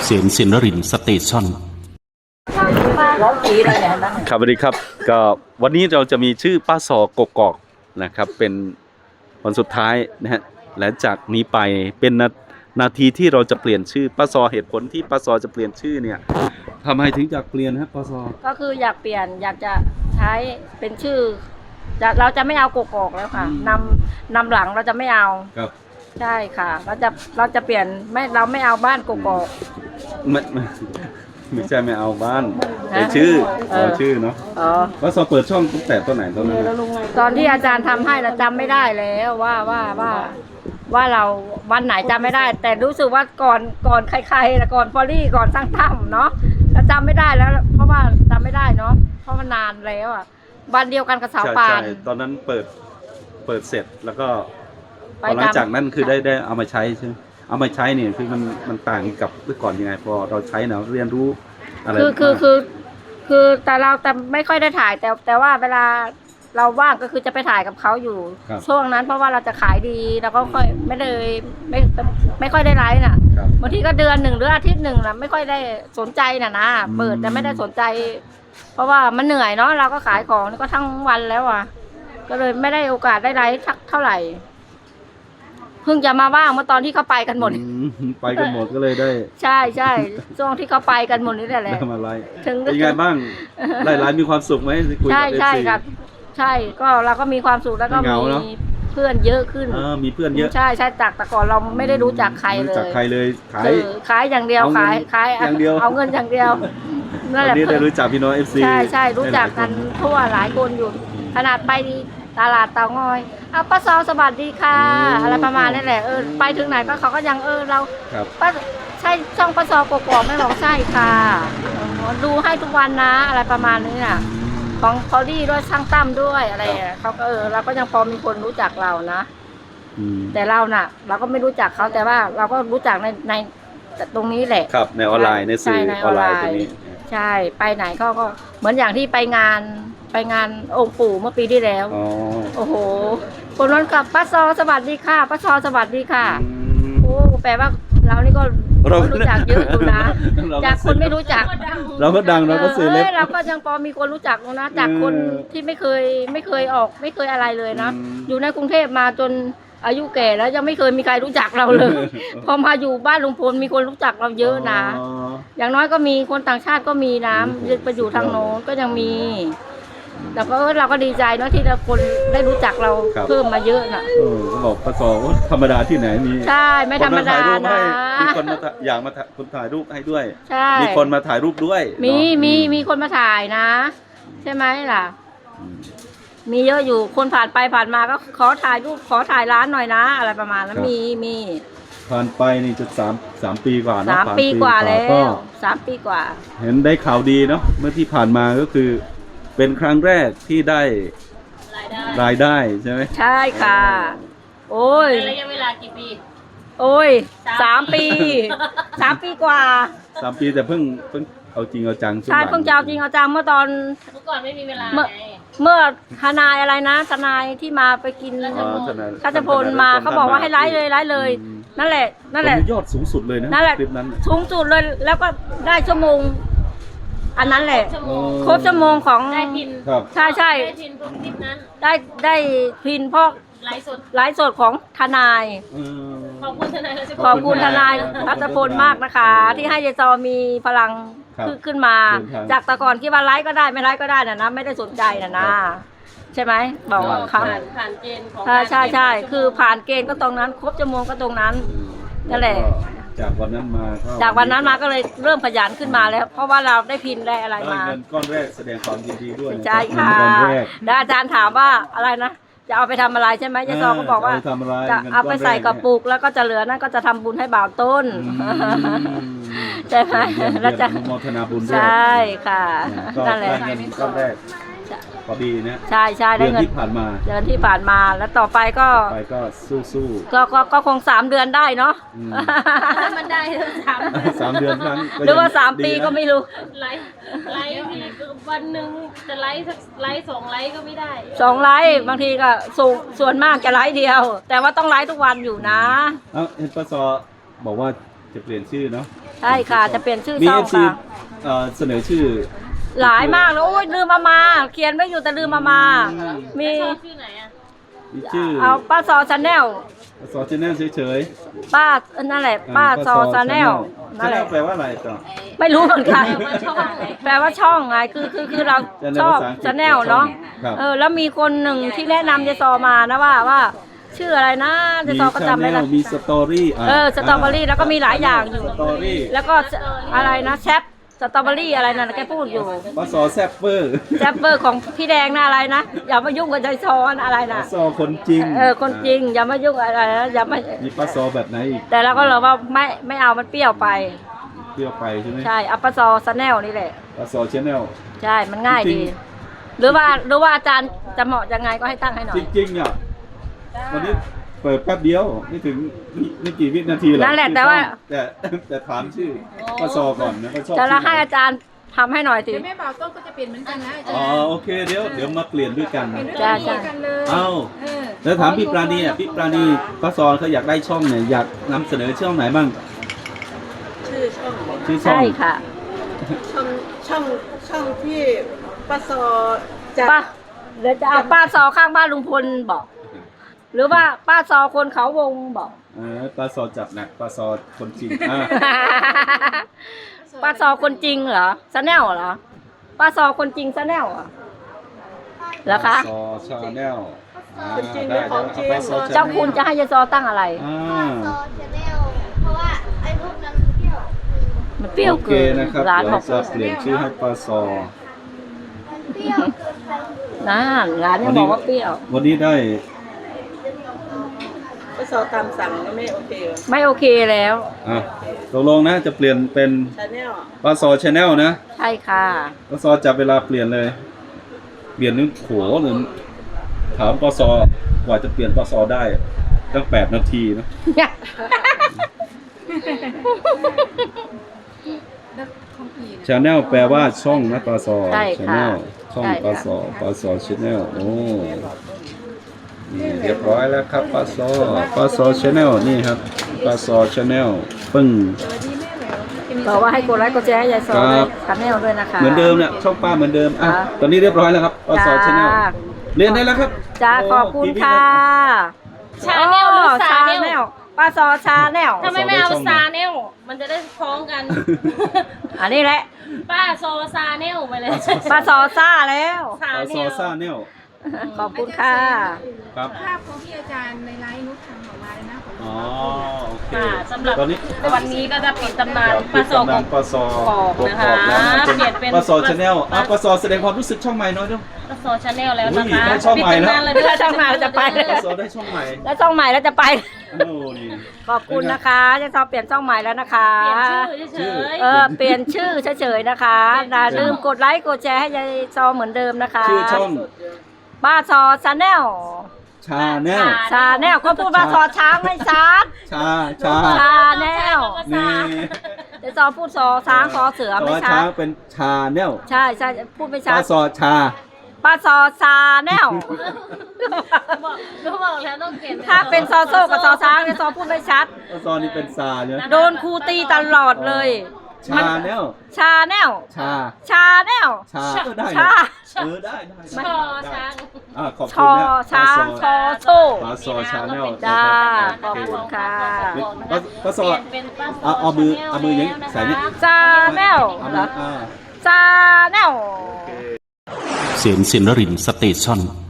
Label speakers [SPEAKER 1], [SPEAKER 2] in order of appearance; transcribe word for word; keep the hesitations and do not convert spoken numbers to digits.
[SPEAKER 1] เสียงสินนรินทร์สเตชันครับสวัสดีครับก็วันนี้เราจะมีชื่อป้าซอกกอกนะครับเป็นวันสุดท้ายนะฮะและจากนี้ไปเป็นนานาทีที่เราจะเปลี่ยนชื่อป้าซอเหตุผลที่ป้าซอจะเปลี่ยนชื่อเนี่ยทำไมถึงอยากเปลี่ยนครับป้าซอก็คืออยากเปลี่ยนอยากจะใช้เป็นชื่อเราจะไม่เอากกอกแล้วค่ะนำนำหลังเราจะไม่เอาครับใช่ค่ะเราจะเราจะเปลี่ยนไม่เราไม่เอาบ้านกกอกไม่ไม่ไม่ใช่ไม่เอาบ้านแต่ชื่อเอาชื่อเนาะอ๋อป้าซอเปิดช่องตั้งแต่ตอนไหนตอนนั้นตอนที่อาจารย์ทำให้เราจำไม่ได้แล้วว่าว่าว่าว่าเราวันไหนจำไม่ได้ แต่รู้สึกว่าก่อนก่อนใครๆแล้วก่อนฟอรี่ก่อนสร้างถ้ำเนาะเราจำไม่ได้แล้วเพราะว่าจำไม่ได้เนาะเพราะมันนานแล้วอ่ะวันเดียวกันกับสาวปานตอนนั้นเปิดเปิดเสร็จแล้วก็หลังจากนั้นคือได้ได้เอามาใช้ใช่ไหมเอามาใช้เนี่ยคือมันมันต่างกับเมื่อก่อนยังไงพอเราใช้เนาะเรียนรู้อะไรคือคือคือคือแต่เราแต่ไม่ค่อยได้ถ่ายแต่แต่ว่าเวลาเราว่างก็คือจะไปถ่ายกับเขาอยู่ช่วงนั้นเพราะว่าเราจะขายดีแล้วก็ค่อยไม่เลยไม่ไม่ค่อยได้ไลฟ์น่ะบางทีก็เดือนหนึ่งหรืออาทิตย์หนึ่งนะไม่ค่อยได้สนใจน่ะนะเปิดแต่ไม่ได้สนใจเพราะว่ามันเหนื่อยเนาะเราก็ขายของก็ทั้งวันแล้วอ่ะก็เลยไม่ได้โอกาสได้ไลฟ์เท่าไหร่เพิ่งจะมาว่างเมื่อตอนที่เขาไปกันหมดไปกันหมดก็เลยได้ใช่ใช่ช่วงที่เขาไปกันหมดนี่แหละได้มาไลฟ์ถึงยังไงบ้างไลฟ์ไลฟ์มีความสุขไหมคุยกับเอฟซีใช่ใช่ครับใช่ก็เราก็มีความสุขแล้วก็มีเพื่อนเยอะขึ้นมีเพื่อนเยอะใช่ใช่จากแต่ก่อนเราไม่ได้รู้จักใครเลยจากใครเลยขายขายอย่างเดียวขายขายอย่างเดียวเอาเงินอย่างเดียวนั่นแหละได้รู้จักพี่น้องเอฟซีใช่ใช่รู้จักกันทั่วหลายคนอยู่ขนาดไปตลาดเตางอยเอาป้าซอสวัสดีค่ะอะไรประมาณนี้แหละเออไปถึงไหนก็เขาก็ยังเออเราป้าใช่ช่องป้าซอกกอกไม่บอกใช่ค่ะดูให้ทุกวันนะอะไรประมาณนี้น่ะของพอลี่ด้วยช่างตั้มด้วยอะไรเขาก็เออเราก็ยังพอมีคนรู้จักเรานะแต่เราน่ะเราก็ไม่รู้จักเขาแต่ว่าเราก็รู้จักในในตรงนี้แหละครับในออนไลน์ในสื่อออนไลน์ตรงนี้ใช่ไปไหนเขาก็เหมือนอย่างที่ไปงานไปงานองค์ปู่เมื่อปีที่แล้วโอ้โหคนนั้นกับป้าซอสวัสดีค่ะป้าซอสวัสดีค่ะโอ้แปลว่าเรานี่ก็รู้จักเยอะอยู่นะจากคนไม่รู้จักเราก็ดังเราก็เสียเล็บเราก็ยังพอมีคนรู้จักนะจากคนที่ไม่เคยไม่เคยออกไม่เคยอะไรเลยนะอยู่ในกรุงเทพมาจนอายุแก่แล้วยังไม่เคยมีใครรู้จักเราเลยพอมาอยู่บ้านลุงพลมีคนรู้จักเราเยอะนะอย่างน้อยก็มีคนต่างชาติก็มีนะไปอยู่ทางโน้นก็ยังมีแต่ก็เราก็ดีใจเนาะที่คนได้รู้จักเราเพิ่มมาเยอะน่ะเออก็บอกป้าซอธรรมดาที่ไหนมีใช่ไม่ธรรมดานะมีคนมาอยากมาคนถ่ายรูปให้ด้วยใช่มีคนมาถ่ายรูปด้วยมีมีมีคนมาถ่ายนะใช่ไหมล่ะมีเยอะอยู่คนผ่านไปผ่านมาก็ขอถ่ายรูปขอถ่ายร้านหน่อยนะอะไรประมาณนั้นมีมีผ่านไปนี่จะสามสามปีกว่านะสามปีกว่าแล้วสามปีกว่าเห็นได้ข่าวดีเนาะเมื่อที่ผ่านมาก็คือเป็นครั้งแรกที่ได้รายได้ใช่ไหมใช่ค่ะโอ้ยระยะเวลากี่ปีโอ้ยสามปีสามปีกว่าสามปีแต่เพิ่งเพิ่งเอาจริงเอาจังใช่เพิ่งจะเอาจริงเอาจังเมื่อตอนเมื่อก่อนไม่มีเวลาเมื่อเมื่อทนายอะไรนะทนายที่มาไปกินข้าจะพลมาเขาบอกว่าให้ไลฟ์เลยไลฟ์เลยนั่นแหละนั่นแหละยอดสูงสุดเลยนะนั่นแหละคลิปนั้นสูงสุดเลยแล้วก็ได้ชั่วโมงอันนั้นแหละครบชั่วโมงของได้พินใช่ใช่ได้พินคลิปนั้นได้ได้พินเพราะไลฟ์สดไลฟ์สดของทนายขอบคุณทนายขอบคุณทนายรัตพลมากนะคะที่ให้เจซอมีพลังขึ้นมาจากแต่ก่อนคิดว่าไลฟ์ก็ได้ไม่ไลฟ์ก็ได้นะนะไม่ได้สนใจนะนะใช่ไหมบอกว่าเขาผ่านเกณฑ์ของใช่ใช่คือผ่านเกณฑ์ก็ตรงนั้นครบชั่วโมงก็ตรงนั้นนั่นแหละจากวันนั้นมาจากวันนั้นมาก็เลยเริ่มขยันขึ้นมาแล้วเพราะว่าเราได้พินได้อะไรมาเงินก้อนแรกแสดงความยินดีด้วยใช่ค่ะแล้วอาจารย์ถามว่าอะไรนะจะเอาไปทำอะไรใช่ไหมยายซอก็บอกว่าจะเอาไปใส่กระปุกแล้วก็จะเหลือนั่นก็จะทำบุญให้บ่าวต้นใช่ไหมแล้วจะโมทนาบุญด้วยใช่ค่ะนั่นแหละเงินก้อนแรกพอดีนะใช่ใช่ได้เงินที่ผ่านมาเดือนที่ผ่านมาแล้วต่อไปก็ไปก็สู้สู้ก็ก็ก็คงสามเดือนได้เนาะมันได้สามสามเดือนครั้งหรือว่าสามปีก็ไม่รู้ไลฟ์ไลฟ์มีวันหนึ่งจะไลฟ์สักไลฟ์สองไลฟ์ก็ไม่ได้สองไลฟ์บางทีก็ส่วนส่วนมากจะไลฟ์เดียวแต่ว่าต้องไลฟ์ทุกวันอยู่นะเอ้าเห็นป้าซอบอกว่าจะเปลี่ยนชื่อเนาะ
[SPEAKER 2] ใช่ค่ะจะเปลี่ยนชื่อ
[SPEAKER 1] มี
[SPEAKER 2] ช่อ
[SPEAKER 1] เอง ฟซี
[SPEAKER 2] ค่ะ
[SPEAKER 1] เอ่อเสนอชื่อ
[SPEAKER 2] หลายมากแล้วโอ้ยลืมมามาเขียนไว้อยู่แต่ลืมมามามี
[SPEAKER 1] มีชื่อ
[SPEAKER 2] เอาป้าซอชาแนล
[SPEAKER 1] ป้าซอชแนลเฉย
[SPEAKER 2] ป้านั่นแหละ
[SPEAKER 1] ๆ
[SPEAKER 2] ป้าซอชาแนล
[SPEAKER 1] ช
[SPEAKER 2] นั่น
[SPEAKER 1] แน
[SPEAKER 2] แห
[SPEAKER 1] ล
[SPEAKER 2] ละ
[SPEAKER 1] แปลว่าอะไรต่อ
[SPEAKER 2] ไม่รู้เหมือนกันแปลว่าช่องไงคือคือคือเราชอบชาแนลเนาะ
[SPEAKER 1] ครับ
[SPEAKER 2] เออแล้วมีคนหนึ่งที่แนะนำยายซอมานะว่าว่า ชื่ออะไรนะยายซอก็จำไม่ได้
[SPEAKER 1] มีสตอรี่
[SPEAKER 2] เออสตรอเบอรี่แล้วก็มีหลายอย่างอยู่
[SPEAKER 1] สตอรี่
[SPEAKER 2] แล้วก็อะไรนะแชปสตรอเบอรี่อะไรนั่นแกพูดอยู่
[SPEAKER 1] ป้าซอแซบเปอร์
[SPEAKER 2] แชปเปอร์ของพี่แดงนะอะไรนะอย่ามายุ่งกับยายซอนะอะไร
[SPEAKER 1] ป้า
[SPEAKER 2] นะ
[SPEAKER 1] ซอคนจริง
[SPEAKER 2] เออคนจริงอย่ามายุ่งอะไรนะอย่ามา
[SPEAKER 1] มีป้าซอแบบไหนอีก
[SPEAKER 2] แต่เราก็เราว่าไม่ไม่เอามันเปรี้ยวไป
[SPEAKER 1] เปรี้ยวไปใช่ไหม
[SPEAKER 2] ใช่อัปปะซอสแนลนี่แหละ
[SPEAKER 1] ป้าซอชแนล
[SPEAKER 2] ใช่มันง่าย
[SPEAKER 1] จริ
[SPEAKER 2] ดี
[SPEAKER 1] ง
[SPEAKER 2] หรือว่าหรือว่าอาจารย์จะเหมาะยังไงก็ให้ตั้งให้หน่อ
[SPEAKER 1] จ
[SPEAKER 2] ย
[SPEAKER 1] ริงๆอ่ะวันนี้เปิดแป๊บเดียวไม่ถึงไม่ไม่กี่วินาทีหรอก
[SPEAKER 2] นั่นแหละ
[SPEAKER 1] ชื่อ
[SPEAKER 2] แต่ว่า
[SPEAKER 1] ช่องแต่แต่ถามชื่อป้าซอก่อนนะเขาชอบ
[SPEAKER 2] จะละ
[SPEAKER 1] ชื่อ
[SPEAKER 2] ให้อาจารย์ทำให้หน่อยสิ
[SPEAKER 3] เดี๋ยวแม่บ่าวต้นก็จะเปลี่ยนเหมือนกันนะอาจาร
[SPEAKER 1] อ๋อ
[SPEAKER 3] ย์
[SPEAKER 1] โอเคเดี๋ยวเดี๋ยวมาเปลี่ยนด้วยกัน
[SPEAKER 3] เปลี่ยนด้วย
[SPEAKER 2] จ้า
[SPEAKER 3] กัน
[SPEAKER 2] จ้า
[SPEAKER 3] กันเลย
[SPEAKER 1] เอ้า
[SPEAKER 3] เออ
[SPEAKER 1] แล้วถามพี่ปราณีอ่ะพี่ปราณีป้าซอเขาอยากได้ช่องเนี่ยอยากนำเสนอช่องไหนบ้าง
[SPEAKER 4] ชื่อช่อง
[SPEAKER 1] ชื่อช่อง
[SPEAKER 2] ใช่ค่ะ
[SPEAKER 4] ช่องช่องช่องที่ป้าซอจะ
[SPEAKER 2] ป้าเดี๋ยวจะเอาป้าซอข้างบ้านลุงพลบอก หรือว่าป้าซอคนเขาวงบอก
[SPEAKER 1] เออป้าซอจับหนักป้าซอคนจริงอ่ะ
[SPEAKER 2] ป้าซอคนจริงเหรอสแนลเหรอป้าซอคนจริงสแนลเหรอเหรอคะ
[SPEAKER 1] ป้าซอชาแนลอ่าได้เดี๋ยวเอาป้าซอ
[SPEAKER 2] เจ้าคุณจะให้ยายซอตั้งอะไร
[SPEAKER 1] อ่า
[SPEAKER 5] ซอชาแนลเพราะว่าไอ้พวกนั้นมันเที่ยว
[SPEAKER 2] มันเปรี้ยว
[SPEAKER 1] โอเค
[SPEAKER 2] เกิน
[SPEAKER 1] นะครับ
[SPEAKER 2] ร้าน
[SPEAKER 1] เดี๋ย
[SPEAKER 2] บ
[SPEAKER 1] ว
[SPEAKER 2] อก
[SPEAKER 1] จะเปลี่ยนชื่อให้ป้าซอ
[SPEAKER 5] มันเปรี้ยวเกินไป
[SPEAKER 2] นะร้านยังบอกว่าเปรี้ยว
[SPEAKER 1] วันนี้ได้
[SPEAKER 4] ป้าซอตามสั่งก็ไม่โอเคเหรอ
[SPEAKER 2] ไม่โอเคแล้ว
[SPEAKER 1] อ่ะตกลงนะจะเปลี่ยนเป็น
[SPEAKER 4] ชาแนล
[SPEAKER 1] ป้าซอชาแนลนะ
[SPEAKER 2] ใช่ค่ะ
[SPEAKER 1] ป้าซอจับเวลาเปลี่ยนเลย เปลี่ยนนึกโหหรือถามป้าซอกว่าจะเปลี่ยนป้าซอได้ตั้งแปดนาทีนะ
[SPEAKER 3] แล้วของพี่นะ
[SPEAKER 1] ชาแนลแปลว่าช่องนะป้าซอ
[SPEAKER 2] ใช่
[SPEAKER 1] ชา
[SPEAKER 2] ค่ะ
[SPEAKER 1] แนลช่อง
[SPEAKER 2] ใช่
[SPEAKER 1] ป้า
[SPEAKER 2] ค่ะ
[SPEAKER 1] ซอป้าซอชาแนลโอ้นี่เรียบร้อยแล้วครับป้าซอป้าซอชาแนลนี่ครับป้าซอชาแนลปึ้ง
[SPEAKER 2] บอกว่าให้กดไลค์กดแชร์ให้ยายซอ
[SPEAKER 1] ค
[SPEAKER 2] ด้
[SPEAKER 1] รั
[SPEAKER 2] วย
[SPEAKER 1] บ
[SPEAKER 2] ชาแนลด้วยนะคะ
[SPEAKER 1] เหมือนเดิมเนี่ยช่องป้าเหมือนเดิมอ่ะ
[SPEAKER 2] ค่ะ
[SPEAKER 1] ตอนนี้เรียบร้อยแล้วครับป้าซอชาแนล
[SPEAKER 2] จ้า
[SPEAKER 1] เรียนได้แล้วครับ
[SPEAKER 2] จ้า
[SPEAKER 1] โ
[SPEAKER 2] ขอบคุณ
[SPEAKER 1] กี่วิ
[SPEAKER 2] ค่ะ
[SPEAKER 3] ชาแนลหรือ
[SPEAKER 2] ชา
[SPEAKER 3] ซาแนล
[SPEAKER 2] แนลป้าซอชาแนล
[SPEAKER 3] ทำไมไม่เอาซาแนลมันจะได้คล้องกัน
[SPEAKER 2] อันนี้แหละ
[SPEAKER 3] ป้าโซซาแนลไปเลย
[SPEAKER 2] ป้าซอซ่าแล้ว
[SPEAKER 3] ซา
[SPEAKER 1] ป้า
[SPEAKER 3] แน
[SPEAKER 1] ซอ
[SPEAKER 3] ล
[SPEAKER 1] ซ่าแนล
[SPEAKER 2] ขอบคุณค่ะ
[SPEAKER 1] ครับ
[SPEAKER 3] ภาพของพี่อาจารย์ในไลน์นุชทำออกมาเลยนะของ
[SPEAKER 1] อ๋อโอเค
[SPEAKER 3] ค่ะสำหรับ
[SPEAKER 1] ตอนนี้
[SPEAKER 3] วันนี้ก็จะปิดตำนาน
[SPEAKER 1] ปิ
[SPEAKER 3] ป้า
[SPEAKER 1] ด
[SPEAKER 3] โซ
[SPEAKER 1] ตำนานป้าซอก
[SPEAKER 3] อก
[SPEAKER 1] ก
[SPEAKER 3] นะคะ
[SPEAKER 1] อกแล้วนะ
[SPEAKER 3] เปลี่ยนเป็น
[SPEAKER 1] ป้าซอชาแนลอ่ะป้าซอแสดงความรู้สึกช่องใหม่หน้อยเนาะ
[SPEAKER 3] ป้าโซชาแนลแล้วนะคะ
[SPEAKER 1] อุ้ยได้ช่องใหม่แล้ว
[SPEAKER 3] ปิดตำนานเลยด้วย
[SPEAKER 2] ช่องใหม่แล้วจะไป
[SPEAKER 1] ป้าซอได้ช่องใหม่
[SPEAKER 2] แล้วช่องใหม่แล้วจะไป
[SPEAKER 1] โอ้นี่
[SPEAKER 2] ขอบคุณนะคะยายซอเปลี่ยนช่องใหม่แล้วนะคะ
[SPEAKER 3] เปลี่ยนชื่อเฉย
[SPEAKER 2] เออเปลี่ยนชื่อเฉยๆนะคะอย่าลืมกดไลค์กดแชร์ให้ยายซอเหมือนเดิมนะคะ
[SPEAKER 1] ชื่อช่อง
[SPEAKER 2] ป้าซอชาแนล
[SPEAKER 1] ชาแนล
[SPEAKER 2] ชาแนลก็พูดว่าซอช้างไม่ชัด
[SPEAKER 1] ชาชา
[SPEAKER 2] ชาแนล
[SPEAKER 1] นี่
[SPEAKER 2] เดี๋ยวซอพูดซอช้างซอเสือไม่
[SPEAKER 1] ซอ
[SPEAKER 2] ชั
[SPEAKER 1] ช้า
[SPEAKER 2] ด
[SPEAKER 1] เป็นชาแนล
[SPEAKER 2] ใช่ใช่พูดไม่ชั
[SPEAKER 1] ป้า
[SPEAKER 2] ด
[SPEAKER 1] ซอชา
[SPEAKER 2] ป้าซอชาแนล
[SPEAKER 3] บอกรู้บอกแล้วต้องเปลี่ยน
[SPEAKER 2] ถ้าเป็นซอโซ่กับซอช้างเนี่ยซอพูดไม่ชัด
[SPEAKER 1] ป้าซอนี่เป็นซาใช่ไหม
[SPEAKER 2] โดนครูตีตลอดเลย
[SPEAKER 1] ชาแนล
[SPEAKER 2] ชาแนล
[SPEAKER 1] ชา
[SPEAKER 2] ชาแนล
[SPEAKER 1] ชาเออได้
[SPEAKER 2] ชา
[SPEAKER 1] เออได้ได้
[SPEAKER 3] ชอช้าง
[SPEAKER 1] อ่าขอบ
[SPEAKER 2] ช
[SPEAKER 1] คุณ
[SPEAKER 2] อ
[SPEAKER 1] นะ
[SPEAKER 2] ช้าง
[SPEAKER 1] ป้า
[SPEAKER 2] ชอโซ่
[SPEAKER 1] ป้าซอชาแนล
[SPEAKER 2] จ้า
[SPEAKER 1] นะ
[SPEAKER 2] ขอบคุณค่ะ
[SPEAKER 1] ป้าป้าซอ
[SPEAKER 3] เปลี่ยนเป็นป้าโซ
[SPEAKER 1] เอาเอามือเอามืออย่างนี้
[SPEAKER 3] แล้วนะคะ
[SPEAKER 1] ใส่นี่
[SPEAKER 2] ชาแนล
[SPEAKER 1] เอา
[SPEAKER 2] เหร
[SPEAKER 1] มื
[SPEAKER 2] อ
[SPEAKER 1] ออ่า
[SPEAKER 2] ชาแนล
[SPEAKER 1] โอเค
[SPEAKER 6] เสียนสินรินสเตชัน